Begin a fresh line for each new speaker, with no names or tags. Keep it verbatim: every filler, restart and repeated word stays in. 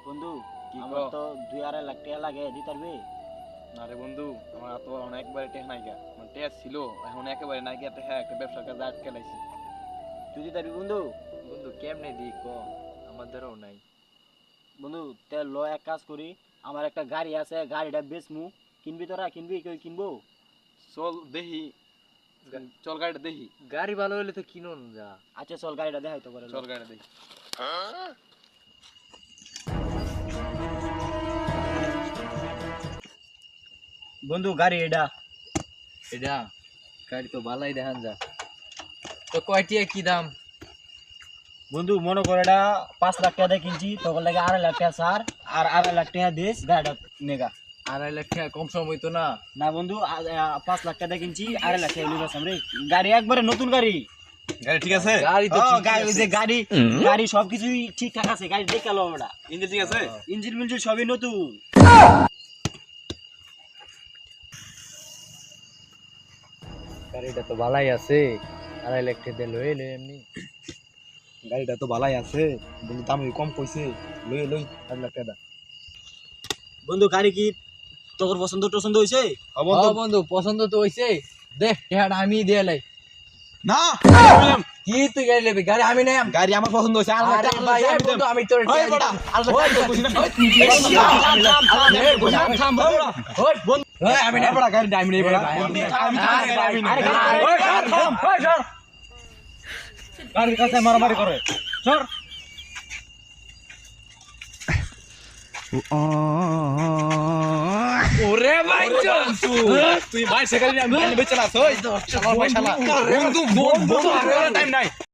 বন্ধু
কি
আমার
কও?
তো দুই আড়াই লাখ টাকা লাগে দিতে পারবে?
না রে বন্ধু, আমার তো অনেকবারে টেহ নাই গা, মানে টেহ ছিল এখন একেবারে নাই গিয়া টেহা একটা ব্যবসার কাজে আটকে লাইছি।
তুই দিতে পারবি বন্ধু?
বন্ধু কেমনে দি ক, আমার দ্বারাও নাই।
বন্ধু তে ল এক কাজ করি, আমার একটা গাড়ি আছে, গাড়িটা বেচমু, কিনবি তোরা? কিনবি? কেউ কিনবো?
চল দেখি, চল গাড়িটা দেখি।
গাড়ি ভালো হলে তো কিনুন যা।
আচ্ছা চল গাড়িটা দেখাই তো করে ল।
চল গাড়িটা দেখি।
বন্ধু গাড়ি এটা।
এটা গাড়ি তো ভালোই দেখান যা। তো কয়টিয়া কি দাম?
বন্ধু মনে করে এটা পাঁচ লাখ টাকা দিয়ে কিনছি, তখন লাগে আড়াই লাখ টাকা সার, আর আড়াই লাখ টাকা দিস গাড়িটা নেগা।
আড়াই লাখ টাকা কম সম হইতো না?
না বন্ধু আ- আ- পাঁচ লাখ টাকা দিয়ে কিনছি, আড়াই লাখ টাকা লিবাস রে। গাড়ি একবারে নতুন গাড়ি।
গাড়ি ঠিক আছে?
গাড়ি তো
ও,
ঠিকই
গাড়ি ওই
আছে।
যে গাড়ি গাড়ি সবকিছুই ঠিকঠাক আছে, গাড়ি দেখে লো ওটা।
ইঞ্জিন ঠিক আছে?
ইঞ্জিন মিঞ্জিন সবই নতুন।
গাড়িটা তো ভালোই আছে, আড়াই লাখ টাকা দিয়ে লই লই এমনি।
গাড়িটা তো ভালাই আছে বন্ধু, দাম কম কইছে, লই লই আড়াই লাখ টাকা।
বন্ধু গাড়ি কি তোর পছন্দ টছন্দ হয়েছে?
ও
ও বন্ধু পছন্দ তো হইছে, দেখ টাকাটা আমি দিয়ে লাই।
না,
কি তুই গাড়ি নেবি? গাড়ি আমি নাই।
গাড়ি আমার পছন্দ হইছে। আড়াই লাখ
আরে
টাকা
ভাই, এই বন্ধু আমি তোর
ওই
টাকা
বড়া,
দিতাম।
আড়াই লাখ টাকা কইছি না।
ওই বন্ধু, ওই আমি নাই।
বড়া গাড়ি আমি নেই বড়া।
ভাই, আমি নাই।
আমি
আরে ভাই,
আমি
আরে
নেই।
গাড়ি-
ওই সর, থাম, ওই সর। গাড়ির কাছে মারামারি করে সর।
ওরে ভাই
তুই ভাই সেখানে আমি বেচে লাস ওই শালা ভাই শালা বন্ধু বন্ধু টাইম নাই।